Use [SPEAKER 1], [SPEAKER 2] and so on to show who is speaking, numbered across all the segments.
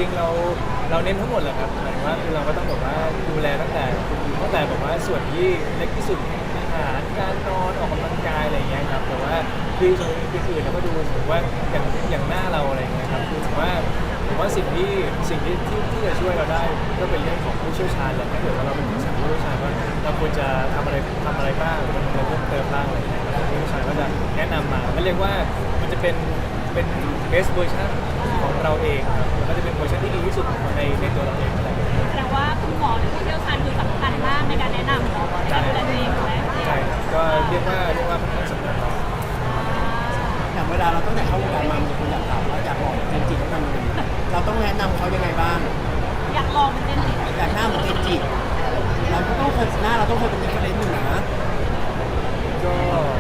[SPEAKER 1] ริงๆเราเน้นทั้งหมดแหละครับหมายถึงว่าคือเราก็ต้องแบบว่าดูแลตั้งแต่แบบว่าส่วนที่เล็กที่สุดอาหารการนอนออกกำลังกายอะไรอย่างเงี้ยครับแต่ว่าคือส่วนอื่นๆเราก็ดูถือว่าอย่างหน้าเราอะไรอย่างเงี้ยครับคือผมว่าสิ่งที่จะช่วยเราได้ก็เป็นเรื่องของผู้เชี่ยวชาญแหละถ้าเกิดว่าเราเป็นผู้เชี่ยวชาญว่าเราควรจะทำอะไรบ้างหรือว่าทำอะไรเพิ่มเติมบ้างอะไรอย่างเงี้ยครับผู้เชี่ยวชาญก็จะแนะนำมามันเรียกว่ามันจะเป็นbest version ของเราเองครับมันก็จะเป็นเวอร์ชันที่ดีที่สุดในตัวเราเองอะไรอย่างเงี้ย
[SPEAKER 2] แสดงว่าคุณหมอหรือผู้เชี่ยวชาญคือสำคัญมากในการแนะนำเราในการดูแลตัวเองถูกไหม
[SPEAKER 1] ใช่ครับก็เรียกว่ามันต้องสำคัญเรา
[SPEAKER 3] อย่างเวลาเราตั้งแต่เข้าวงการมามีคนอยากถามว่าอยากบอกเจนจิต้องทำยังไงเราต้องแนะนำเขายังไงบ้าง
[SPEAKER 2] อยากลองเป็นเจนจิ
[SPEAKER 3] อยากหน้าเหมือนเจนจิเราก็ต้องเคยหน้าเราต้องเคยเป็นเด็กเล่นอยู่นะ
[SPEAKER 1] ก็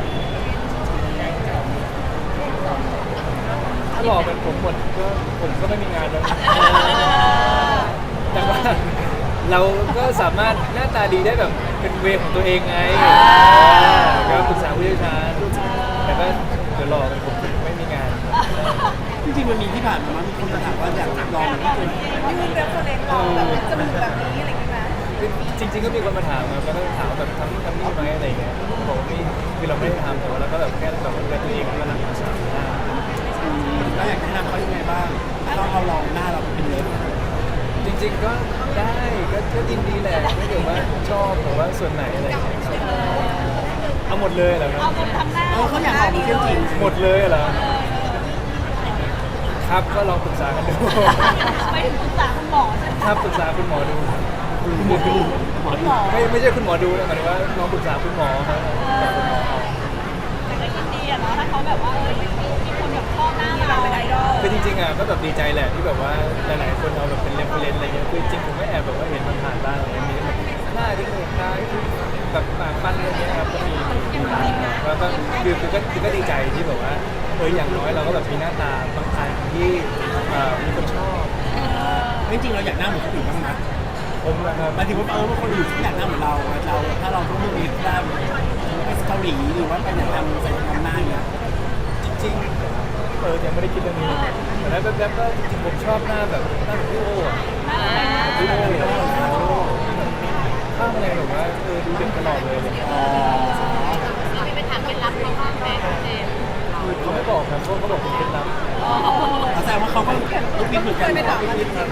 [SPEAKER 1] ถ้าหล่อเป็นผมหมดก็ผมก็ไม่มีงานแล้วนะแต่ว่าเราก็สามารถหน้าตาดีได้แบบเป็นเวของตัวเองไงก็ปรึกษาผู้เชี่ยวชาญแต่ก็เดี๋ยวหล่อเป็นผมไม่มีงาน
[SPEAKER 3] จริงๆมันมีที่ผ่านมามีคนมาถามว่าอยากลองเหมือนเจนจิ
[SPEAKER 4] ยื่นเรฟเฟอเรนซ์ลองแบบเป็นจมูกแบบนี้อะไรอย่างเงี้ยไหม
[SPEAKER 1] จริงๆก็มีคนมาถามครับแล้วก็ถามแบบทำนี่ไหมอะไรอย่างเงี้ยบอกว่าคือเราไม่ได้ทำแต่ว่าเราก็แบบแค่แบบดูแลตัวเองแล้วก็รักษาหน้า
[SPEAKER 3] เราอยากแนะนำเขายังไงบ้างต้องเอาลองหน้าเราเป็นเล็บ
[SPEAKER 1] จริงๆก็ได้ก็ยินดีแหละถ้าเกิดว่าชอบหรือว่าส่วนไหนอะไรอย่างเงี้ยครับเอาหมดเลยเหรอครับ
[SPEAKER 2] เอาคนทำหน้า
[SPEAKER 3] เขาอยากลองเหมือนเจนจิ
[SPEAKER 1] หมดเลยเหรอครับก็ลองปรึกษากันดู
[SPEAKER 2] ไปถึงปรึกษาคุณหมอใช่ไหม
[SPEAKER 1] ครับปรึกษาคุณหมอดู
[SPEAKER 3] หมอดูหมอดู
[SPEAKER 1] ไม่ใช่คุณหมอดูนะหมายถึงว่าลองปรึกษาคุณหมอครับปรึกษาคุณหมอเอา
[SPEAKER 2] แต่ก็ยินดีอะเนาะถ้าเขาแบบว่ามีคนแบบชอบหน้าเราเป็นไอดอล
[SPEAKER 1] คือจริงๆอ่ะก็แบบดีใจแหละที่แบบว่าหลายๆคนเอาแบบเป็นเรฟเฟรนซ์อะไรเงี้ยคือจริงผมก็แอบแบบว่าเห็นมันผ่านบ้างอะไรเงี้ยมีแบบหน้าที่เหตาที่แบบปากปั้นอะไรเงี้ยครับก็มีแล้วก็คือก็ดีใจที่แบบว่าอย่างน้อยเราก็แบบมีหน้าตาบางทางที่มีคนชอบ
[SPEAKER 3] จริงๆเราอยากหน้าเหมือนคนอื่นบ้างไหม
[SPEAKER 1] ผมนะครับ
[SPEAKER 3] หมายถึงว่าว่าคนอื่นที่อยากหน้าเหมือนเราถ้าเราต้องเลือกเล็บได้ไปเกาหลีหรือว่าไปไหนทำใส่ทำหน้าอย่างเงี้ย
[SPEAKER 1] จริงๆยังไม่ได้คิดเรื่องนี้แต่แล้วแบบก็จริงๆผมชอบหน้าแบบหน้าพี่โอ้อะพี่โอ้ข้ามอะไรแบบว่าดูเด็กตลอดเลยเนี่ย
[SPEAKER 2] มีไปถามเคล็ดลับเขาบ้างไหมเจม
[SPEAKER 1] เขาไม่บอกครับเขาบอกเป็นเคล็ดลับ
[SPEAKER 3] แสดงว่าเขาก็ลูกบินเหมือนกัน
[SPEAKER 1] ยอม
[SPEAKER 2] แต่จริงๆ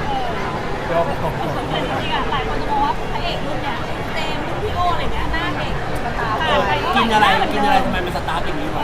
[SPEAKER 2] อะหลายคนจะมองว่าพระเอกรุ่นเนี้ยเจมส์พี่โออะไรเงี้ยหน้าเด็ก
[SPEAKER 3] กินอะไรทำไมมันสตาร์ทอย่างนี้วะ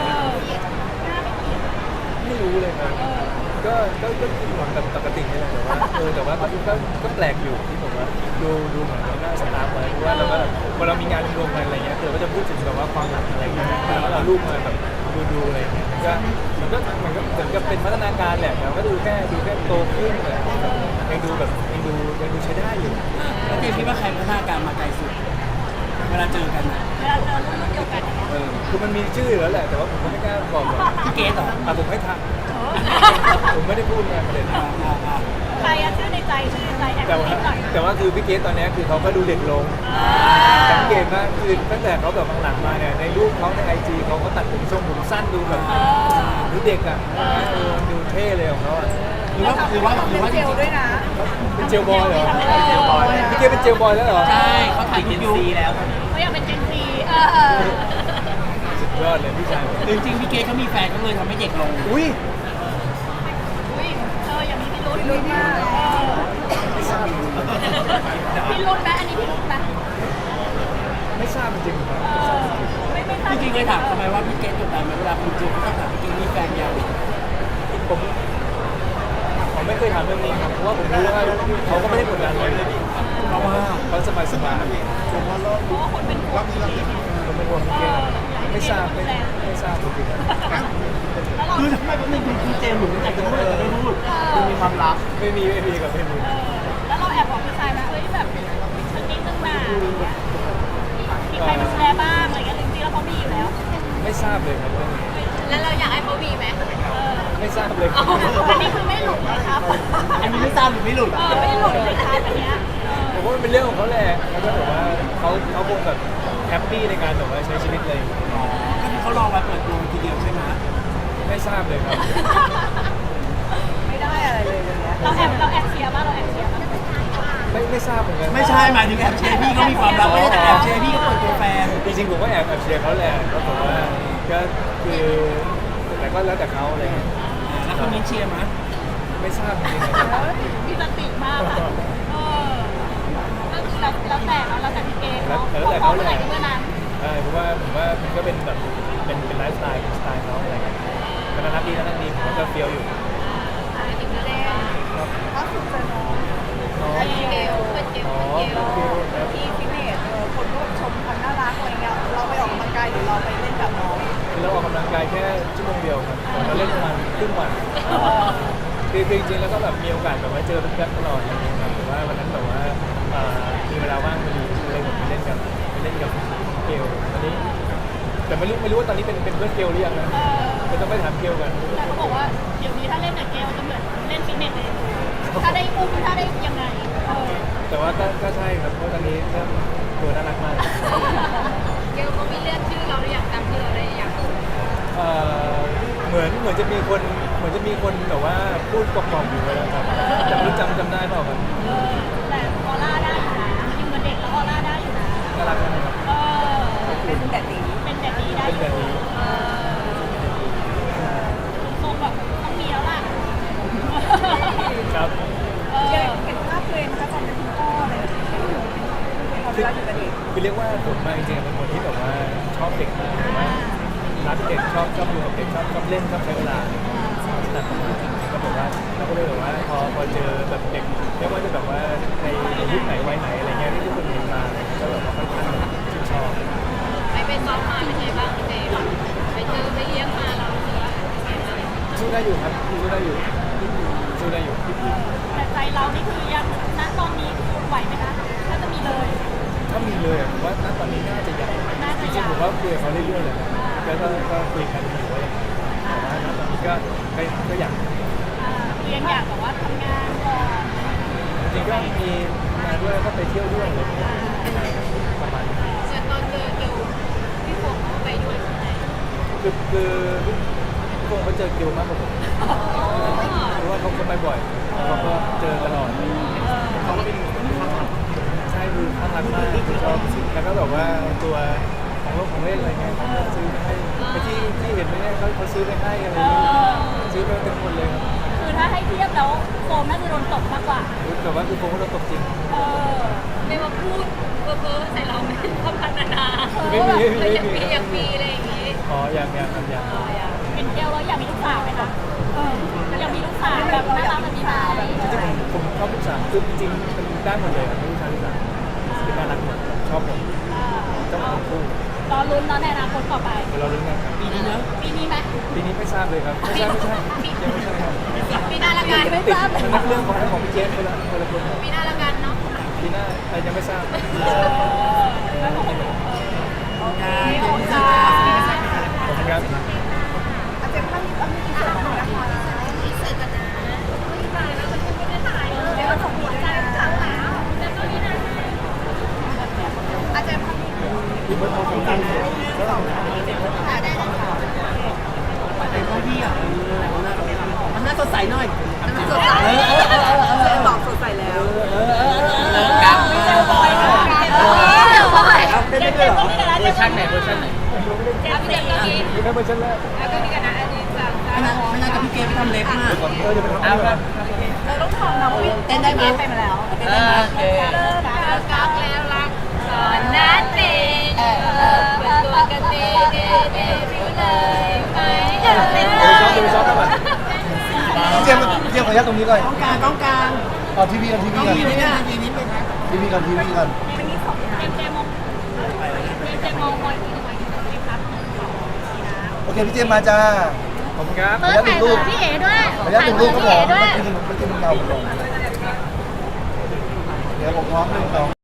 [SPEAKER 1] ไม่รู้เลยครับก็กินหวังแบบปกตินี่แหละแต่ว่าก็แปลกอยู่ที่ผมว่าดูเหมือนหน้าสตาร์ฟไว้เพราะว่าเราก็แบบพอเรามีงานรวมกันอะไรเงี้ยเราก็จะพูดถึงแบบว่าความหลังอะไรเงี้ยแล้วเราลูกมาแบบดูอะไรเงี้ยมันก็เหมือนกับเป็นพัฒนาการแหละแต่ก็ดูแค่โตขึ้นแหละยังดูใช้ได้อยู่
[SPEAKER 3] แล้วเจมคิดว่าใครพัฒนาการมาไกลสุดเวลาเจอกันนะ
[SPEAKER 2] เวลาเจอรุ่นเดียวกัน
[SPEAKER 1] คือมันมีชื่ออยู่แล้วแหละแต่ว่าผมก็ไม่กล้าบอกหรอก
[SPEAKER 3] พี่เกสเหรอ
[SPEAKER 1] ผมให้ทักผมไม่ได้พูดไงประเด็น
[SPEAKER 2] ใครอะชื่อในใจแอบ
[SPEAKER 1] แต่ว่า
[SPEAKER 2] คิดหน่อย
[SPEAKER 1] แต่ว่าคือพี่เกสตอนนี้คือเขาก็ดูเด็กลงสังเกตมากคือตั้งแต่เขาแบบหลังๆมาเนี่ยในรูปเขาในไอจีเขาก็ตัดผมทรงผมสั้นดูแบบดูเด็กอ่ะดูเท่เลยของเขาอ่ะ
[SPEAKER 3] หรือว่า
[SPEAKER 4] เจลด้วยนะ
[SPEAKER 1] เป็นเจลบอยเหรอพี่เกสเป็นเจลบอยแล้วเหรอ
[SPEAKER 3] ใช่เขาถ่ายเจนซีแล้ว
[SPEAKER 2] เขาอยากเป็นเจนซี
[SPEAKER 1] สุดยอดเลยพี่ชาย
[SPEAKER 3] จริงๆพี่เกสเขามีแฟนเขาเลยทำให้เด็กลง
[SPEAKER 1] อุ้ย
[SPEAKER 2] อุ้ยอย่างนี้พี่รุ่น
[SPEAKER 4] รุ่นมาก
[SPEAKER 1] ไม่ทราบ
[SPEAKER 2] พี่รุ่นไหมอันนี้พี่รุ่นไหม
[SPEAKER 1] ไม่ทราบจริงๆครับ
[SPEAKER 2] ไม่ทราบ
[SPEAKER 3] จริงๆเลยถามทำไมว่าพี่เกสกดดันไหมเวลาคุณจูบเขาต้องถามพี่เกสมีแฟนยัง
[SPEAKER 1] ผมไม่เคยถามเรื่องนี้ครับเพราะว่าผมรู้ว่าเขาก็ไม่ได้กดดันเลยเพราะว่าเขาสบายผมว่า
[SPEAKER 2] เพราะว่าคนเป็นห่วงพี่
[SPEAKER 1] ผมเป็นห่วงพี่เกสไม่ทราบจริงๆ
[SPEAKER 2] แล้วเรา
[SPEAKER 3] คือทำไมเป็นคุณเจมส์หรืออยากจะพูดแต่ไม่พูดมันมีความลับ
[SPEAKER 1] ไม่มีกับไม่มี
[SPEAKER 2] แล้วเราแอบบอกพี่ชายไหมเฮ้ยแบบสักนิดนึงนะมีใครมาแชร์บ้างอะไรเงี้ยจริงๆแล้วเขามีอยู่แล้ว
[SPEAKER 1] ไม่ทราบเลยครับเรื่องนี้
[SPEAKER 2] แล้วเราอยากให้เขามีไหม
[SPEAKER 1] ไม่ทราบเลยครับ
[SPEAKER 2] อันนี้คือไม่หลุดนะครับ
[SPEAKER 3] อันนี้ไม่ทราบหรือไม่หลุด
[SPEAKER 2] ไม่หลุดเลยครับอันเนี้ย
[SPEAKER 1] ผมว่ามันเป็นเรื่องของเขาแหละแล้วก็แบบว่าเขาคงแบบแฮปปี้ในการแบบว่าใช้ชีวิตเลย
[SPEAKER 3] ก็คือเขารอมาเปิดตัวทีเดียวใช่ไหม
[SPEAKER 1] ไม่ทราบเลยครับ
[SPEAKER 4] ไม่ได้อะไรเลยวันเนี้ย
[SPEAKER 2] เราแอบเสียบ้าง
[SPEAKER 1] ทราบเหมือนกัน
[SPEAKER 3] ไม่ใช่หมายถึงแอบเชียร์พี่ก็มีความรักไม่ได้แต่แอบเชียร์พี่ก็เปิดตัวแฟน
[SPEAKER 1] จริงๆผมก็แอบเชียร์เขาแหละก็บอกว่าก็คือแต่ก็แล้วแต่เขาอะไรเงี้ย
[SPEAKER 3] แล้วคนนี้เชียร์มั้ย
[SPEAKER 1] ไม่ทราบจริงๆนะครับ
[SPEAKER 2] มีสติมากอะก็คือแล้วแต่เนาะแล้วแต่พี่เกณฑ์เนาะเขาเมื่อไหร่ก็เมื่อนั้น
[SPEAKER 1] ใช่เพราะว่าผมว่ามันก็เป็นแบบเป็นไลฟ์สไตล์เป็นสไตล์เขาอะไรเงี้ยก็น่ารักดีผมก็เฟี้ยวอยู่
[SPEAKER 2] ถึงจะได้
[SPEAKER 1] ครับ
[SPEAKER 4] ล่าสุดเจอน้อง
[SPEAKER 1] น้อง
[SPEAKER 2] เกลเป็นเกล
[SPEAKER 1] อ๋อ
[SPEAKER 2] เป็นเกล
[SPEAKER 1] เฟี้ยวครับ
[SPEAKER 4] ที่ฟิตเนสคนก็ชมความน่ารักอะไรเงี้ยเราไปออกกำลังกายหรือเราไปเล่นกับน้อง
[SPEAKER 1] เราออกกำลังกายแค่ชั่วโมงเดียวครับแต่เราเล่นประมาณครึ่งวันคือจริงๆแล้วก็แบบมีโอกาสแบบว่าเจอเพื่อนๆตลอดอะไรเงี้ยครับแต่ว่าวันนั้นแบบว่ามีเวลาว่างพอดีเลยผมไปเล่นกับเกลตอนนี้แต่ไม่รู้ว่าตอนนี้เป็นเพื่อนเกลหรือยังนะจะต้องไปถามเกลกัน
[SPEAKER 2] แต่เขาบอกว่าเดี๋ยวนี้ถ้าเล่นกับเกลจะเหมือนเล่นฟิตเนสเลยถ้าได้อุ้มถ้าได้ยังไง
[SPEAKER 1] แต่ว่าก็ใช่ครับเพราะตอนนี้เริ่มตัวน่ารักมาก
[SPEAKER 2] เกลเขามีเลือกชื่อเราหรือยังจำชื่อเราได้ยัง
[SPEAKER 1] เหมือนจะมีคนแบบว่าพูดกล่อมๆอยู่เลยนะครับแต่ไม่รู้จำได้เปล่าครับ
[SPEAKER 2] แต่ออร่าได้อยู่นะยังเหมือนเด็กแล้วออร่าได้อยู่นะ
[SPEAKER 1] น่ารักนะครับ
[SPEAKER 4] เป็นแต่ดี
[SPEAKER 2] เป็นแต่ดีได้
[SPEAKER 1] เป็นแบบนี้
[SPEAKER 2] ทรงแบบต้องมีแล้วล่ะ
[SPEAKER 1] ครับ
[SPEAKER 4] เห็นภาพตัวเองนะคะตอนเป็นคุณพ่อเลยพอเวลาอยู่กับเด็ก
[SPEAKER 1] คือเรียกว่าผมมาจริงๆเป็นคนที่แบบว่าชอบเด็กมากแบบว่ารักเด็กชอบอยู่กับเด็กชอบเล่นชอบใช้เวลาแต่ผมก็แบบว่าเราก็เลยแบบว่าพอเจอแบบเด็กไม่ว่าจะแบบว่าในยุคไหนวัยไหนอะไรเงี้ยที่ทุกคนเห็นมาก็แบบว่าค่อนข้างชื่นชอบ
[SPEAKER 2] ไปซ้อมมาเป็นไงบ้างพี่เจไปเจอไปเลี้ยงมาเราเจอ
[SPEAKER 1] สู้ได้อยู่ครับสู้ได้อยู่สู้ได้อยู่
[SPEAKER 2] แต่ใจเรานี่คือยังณตอนนี้ไหวไหมคะถ้าจะมีเลย
[SPEAKER 1] ถ้ามีเลยผมว่าณตอนนี้น่าจะใหญ่จริงๆผมว่าคุยกับเขาเรื่อยๆเลยนะแล้วก็คุยกันอยู่ว่าแต่ว่าณตอนนี้ก็อยาก
[SPEAKER 2] เรียนอยากแบบว่าทำงานก่อน
[SPEAKER 1] จริงๆก็มีงานด้วยแล้วก็ไปเที่ยวด้วยอะไรอย่างเงี้ยประมาณนี้
[SPEAKER 2] ส่วนตอนเจอเกลพี่โฟงเขาไปด้วยใช่ไหม
[SPEAKER 1] คือพวกเขาเจอคิวมากกว่าผมเพราะว่าเขาไปบ่อยเขาก็เจอตลอดเขาก็เป็นใช่คือข้างรักมากชอบแล้วก็แบบว่าตัวของเล่นอะไรเงี้ยเขาซื้อให้ไปที่เห็นไหมเนี่ยเขาซื้อไปให้อะไรเงี้ยซื้อไปเป็นคนเลยครับ
[SPEAKER 2] คือถ้าให้เทียบแล้วโฟมน่าจะโดนตกมากกว่า
[SPEAKER 1] แต่ว่าคือผมก็โดนตกจริง
[SPEAKER 2] ไม่มาพูดเพ้อๆใส่เราไม่ทำพันนา
[SPEAKER 1] ไม่มี
[SPEAKER 2] อย่างปีอะไรอย่างงี้
[SPEAKER 1] อ๋อยังครับยัง
[SPEAKER 2] เป็นเกลแล้วอยากมีลูกสาวไหมคะอยากมีลูกสาวแบบน่ารักแบบนี้ไหม
[SPEAKER 1] จริงๆผมชอบลูกสาวคือจริงๆมันได้หมดเลยครับลูกชายลูกสาวคือน่ารักหมดชอบหมดเจ้าของคู่
[SPEAKER 2] รอลุ้นเนาะในอนาคตต่อไป
[SPEAKER 1] เดี๋ยวเราลุ้นกันครับ
[SPEAKER 3] ปีนี้เนอะ
[SPEAKER 2] ปีนี้ไหม
[SPEAKER 1] ปีนี้ไม่ทราบเลยครับไม่ใช่ยังไม่ใช่ครับ
[SPEAKER 2] ปีหน้าละกันไม่
[SPEAKER 1] ติด
[SPEAKER 2] ทราบ
[SPEAKER 1] เป็นนักเรื่องของพี่เจสคนละคน
[SPEAKER 2] ปีหน้าละกันเนาะ
[SPEAKER 1] ปีหน้ายังไม่ทราบ
[SPEAKER 3] งานเจมิส
[SPEAKER 1] ขอบคุณครับ
[SPEAKER 4] อาจจะถ้ามีต้องมีส่วนของนะคะ
[SPEAKER 2] มีเสร็จกันนะไม่ถ่ายแล้วมันไม่ได้ถ่ายเลย
[SPEAKER 4] เดี๋ยวส่งหัวใจ
[SPEAKER 2] ถามแล้วแต่ก็นี่นะ
[SPEAKER 4] อาจจะถ้ามี
[SPEAKER 1] อีกเบอร์โทรของกันเลยแล้วเรา
[SPEAKER 4] ถ่ายได้ค่ะ
[SPEAKER 3] แต่ก็พี่อ่ะมันน่าสดใสหน่อย
[SPEAKER 4] มันสดใสเจนบอกสดใสแล้ว
[SPEAKER 3] กางไม่เจอบอยนะ
[SPEAKER 2] เจมส์ก็มีกันนะเวอร์ชันไหนเวอร์ชันไหนเจมส์ก็มี
[SPEAKER 1] มีแค่เบอร์ชันแรก
[SPEAKER 2] แล้วก็มีกันนะอันนี้สาม
[SPEAKER 3] ไม่น่ากับพี่เกไปทำเล็บมา
[SPEAKER 1] จะไปทำอะไร
[SPEAKER 4] เราต้องทำนะวิเต้นได้ไหมไปมาแล้ว
[SPEAKER 3] เต้นได้ไหม
[SPEAKER 2] เลิกกักแล้วรักสอนนัดเองเปิดตัวกันเดบิวเลยไหม
[SPEAKER 1] จะไปซ้อมกันป่ะ
[SPEAKER 5] เจมส์ขออนุญาตตรงนี้ก่อน
[SPEAKER 3] ต้องการ
[SPEAKER 5] เอาทีวีกัน
[SPEAKER 3] ต้องมีนี่นะทีนี้เป็น
[SPEAKER 5] ทีวีกัน
[SPEAKER 2] เจมองคอยคุยกันไหมครับ
[SPEAKER 5] โอเคพี่เจมส์มาจ้า
[SPEAKER 1] ขอบคุณครับ
[SPEAKER 5] ขออนุญาตหนึ่งรูป
[SPEAKER 2] พี่เอ๋ด้วย
[SPEAKER 5] ขออนุญาตหนึ่งรูปครับผมเมื่อกี้มันเงาลงเดี๋ยวผมพร้อมหนึ่งสอง